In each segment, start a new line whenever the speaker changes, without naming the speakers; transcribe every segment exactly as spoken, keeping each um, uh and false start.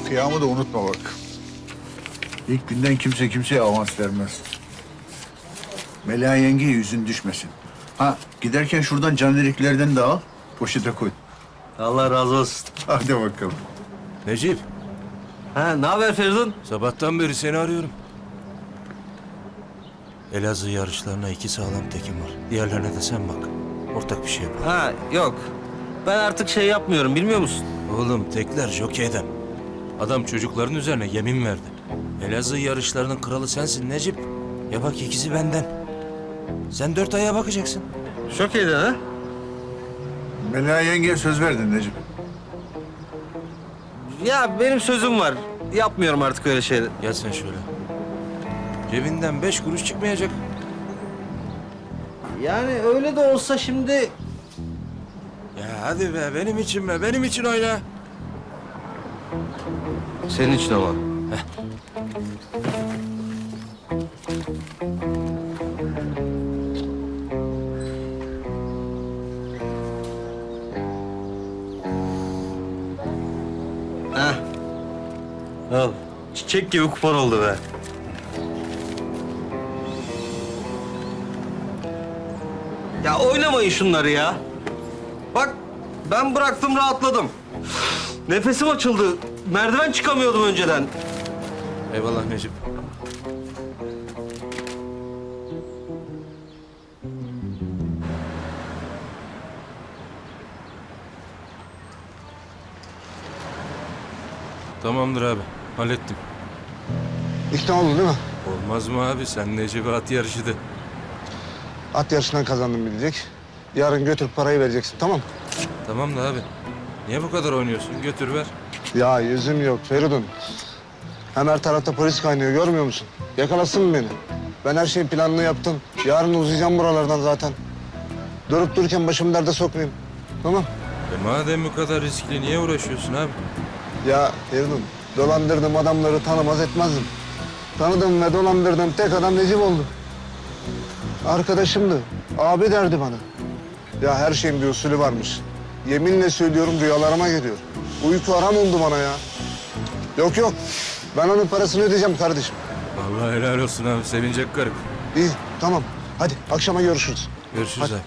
Kıyamı da unutma bak. İlk günden kimse kimseye avans vermez. Mela yengeye yüzün düşmesin. Ha, giderken şuradan candeliklerden de al, poşete koy.
Allah razı olsun.
Hadi bakalım.
Necip,
Ha, ne haber Feridun?
sabahtan beri seni arıyorum. Elazığ yarışlarına iki sağlam tekim var. Diğerlerine de sen bak. Ortak bir şey yapalım.
Ha, yok. Ben artık şey yapmıyorum, bilmiyor musun?
Oğlum tekler jokeyden. Adam çocukların üzerine yemin verdi. Elazığ yarışlarının kralı sensin Necip. Ya bak ikisi benden. Sen dört aya bakacaksın.
Çok iyiydi ha?
Mela yengeye söz verdin Necip.
Ya benim sözüm var. Yapmıyorum artık öyle şeyler.
Gel sen şöyle. Cebinden beş kuruş çıkmayacak.
Yani öyle de olsa şimdi...
Ya hadi be benim için be benim için oyna.
Senin için ama. Heh. Al. Çiçek gibi kupon oldu be. Ya oynamayın şunları ya. Bak ben bıraktım rahatladım. Nefesim açıldı. Merdiven çıkamıyordum önceden.
Eyvallah Necip. Tamamdır abi. Hallettim.
İkna oldun değil mi?
Olmaz mı abi? Sen Necip'e at yarışı de.
At yarışından kazandım bilecek. Yarın götürüp parayı vereceksin, tamam mı?
Tamam da abi. Niye bu kadar oynuyorsun? Götür ver.
Ya yüzüm yok Feridun. Hem her tarafta polis kaynıyor, görmüyor musun? Yakalasın mı beni? Ben her şeyi planlı yaptım. Yarın uzayacağım buralardan zaten. Durup dururken başımı derde sokmayayım. Tamam.
E madem bu kadar riskli niye uğraşıyorsun abi?
Ya Feridun, dolandırdığım adamları tanımaz etmezdim. Tanıdım ve dolandırdığım tek adam Necip oldu. Arkadaşımdı. Abi derdi bana. Ya her şeyin bir usulü varmış. Yeminle söylüyorum rüyalarıma geliyor. Uyku haram oldu bana ya. Yok yok. Ben onun parasını ödeyeceğim kardeşim.
Allah helal olsun abi. Sevinecek garip.
İyi tamam. Hadi akşama görüşürüz.
Görüşürüz
Hadi.
abi.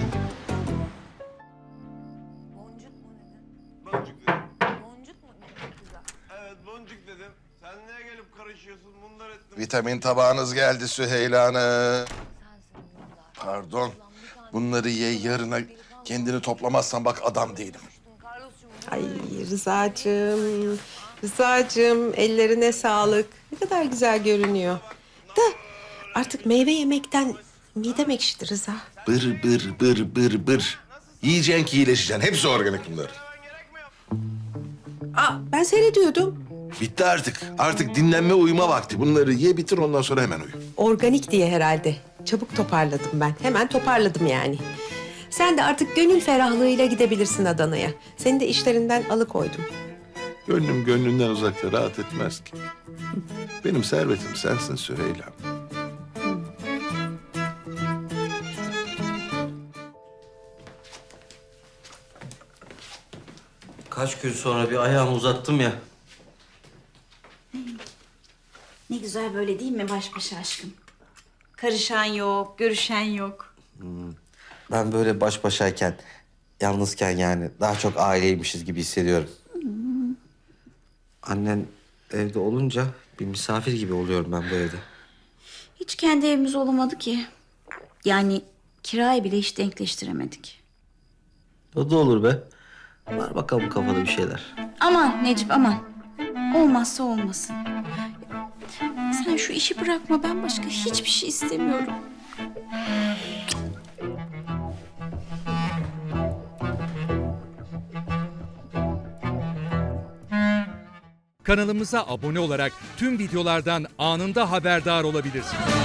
Boncuk mu dedin? Boncuk dedim. Boncuk mu? Güzel.
Evet boncuk dedim. Sen niye gelip karışıyorsun? Bunlar ettim.
Vitamin tabağınız geldi Süheyla Hanım.
Sensin Yıldar.
Pardon. Bunları ye yarına kendini toplamazsan bak adam değilim.
Carlos'cum
Ay Rıza'cığım, Rıza'cığım ellerine sağlık. Ne kadar güzel görünüyor. Da artık meyve yemekten midem ekşidi Rıza.
Bır bır bır bır bır. Yiyeceksin ki iyileşeceksin. Hepsi organik bunlar.
Aa, ben seyrediyordum.
Bitti artık. Artık dinlenme uyuma vakti. Bunları ye bitir ondan sonra hemen uyu.
Organik diye herhalde. Çabuk toparladım ben. Hemen toparladım yani. Sen de artık gönül ferahlığıyla gidebilirsin Adana'ya. Seni de işlerinden alıkoydum.
Gönlüm gönlünden uzakta rahat etmez ki. Benim servetim sensin Süheyla.
Kaç gün sonra bir ayağımı uzattım ya.
Ne güzel böyle değil mi baş başa aşkım? Karışan yok, görüşen yok.
Ben böyle baş başayken, yalnızken yani daha çok aileymişiz gibi hissediyorum. Annen evde olunca bir misafir gibi oluyorum ben bu evde.
Hiç kendi evimiz olamadı ki. Yani kirayı bile hiç denkleştiremedik.
O da olur be. Var bakalım kafada bir şeyler.
Aman Necip aman. Olmazsa olmasın. Sen şu işi bırakma, ben başka hiçbir şey istemiyorum.
Kanalımıza abone olarak tüm videolardan anında haberdar olabilirsiniz.